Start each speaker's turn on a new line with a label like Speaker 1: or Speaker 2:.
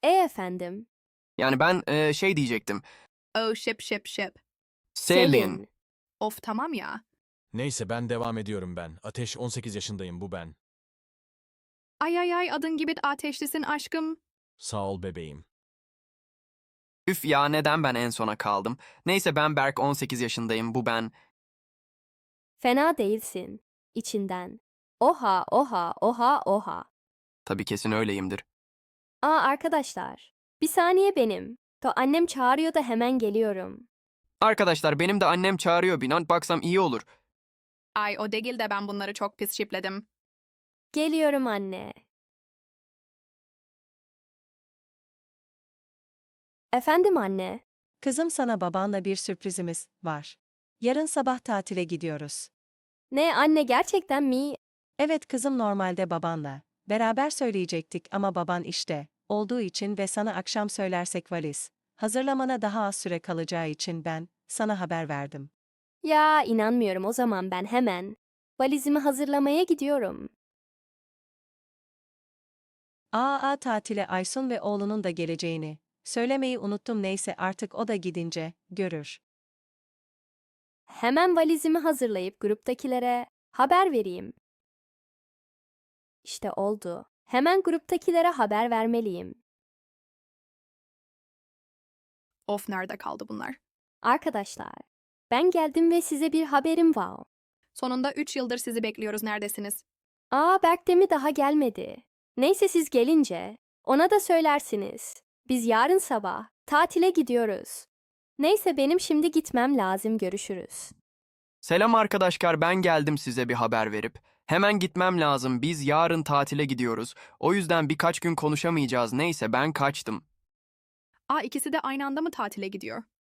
Speaker 1: Efendim.
Speaker 2: Yani ben şey diyecektim.
Speaker 3: Oh ship.
Speaker 2: Selin.
Speaker 3: Of tamam ya.
Speaker 4: Neyse ben devam ediyorum ben. Ateş 18 yaşındayım bu ben.
Speaker 3: Ay adın gibi ateşlisin aşkım.
Speaker 4: Sağ ol bebeğim.
Speaker 2: Üf ya neden ben en sona kaldım? Neyse ben Berk 18 yaşındayım bu ben.
Speaker 1: Fena değilsin. İçinden. Oha oha oha oha.
Speaker 2: Tabii kesin öyleyimdir.
Speaker 1: Arkadaşlar. Bir saniye benim. Annem çağırıyor da hemen geliyorum.
Speaker 2: Arkadaşlar benim de annem çağırıyor binan baksam iyi olur.
Speaker 3: Ay o değil de ben bunları çok pis şipledim.
Speaker 1: Geliyorum anne. Efendim anne.
Speaker 5: Kızım sana babanla bir sürprizimiz var. Yarın sabah tatile gidiyoruz.
Speaker 1: Ne anne gerçekten mi?
Speaker 5: Evet kızım normalde babanla. Beraber söyleyecektik ama baban işte olduğu için ve sana akşam söylersek valiz. Hazırlamana daha az süre kalacağı için ben sana haber verdim.
Speaker 1: Ya inanmıyorum o zaman ben hemen. Valizimi hazırlamaya gidiyorum.
Speaker 5: Tatile Aysun ve oğlunun da geleceğini. Söylemeyi unuttum neyse artık o da gidince görür.
Speaker 1: Hemen valizimi hazırlayıp gruptakilere haber vereyim. İşte oldu. Hemen gruptakilere haber vermeliyim.
Speaker 3: Of nerede kaldı bunlar?
Speaker 1: Arkadaşlar, ben geldim ve size bir haberim var.
Speaker 3: Sonunda 3 yıldır sizi bekliyoruz neredesiniz?
Speaker 1: Berk de mi daha gelmedi? Neyse siz gelince ona da söylersiniz. Biz yarın sabah tatile gidiyoruz. Neyse benim şimdi gitmem lazım, görüşürüz.
Speaker 2: Selam arkadaşlar ben geldim size bir haber verip. Hemen gitmem lazım biz yarın tatile gidiyoruz. O yüzden birkaç gün konuşamayacağız neyse ben kaçtım.
Speaker 3: İkisi de aynı anda mı tatile gidiyor?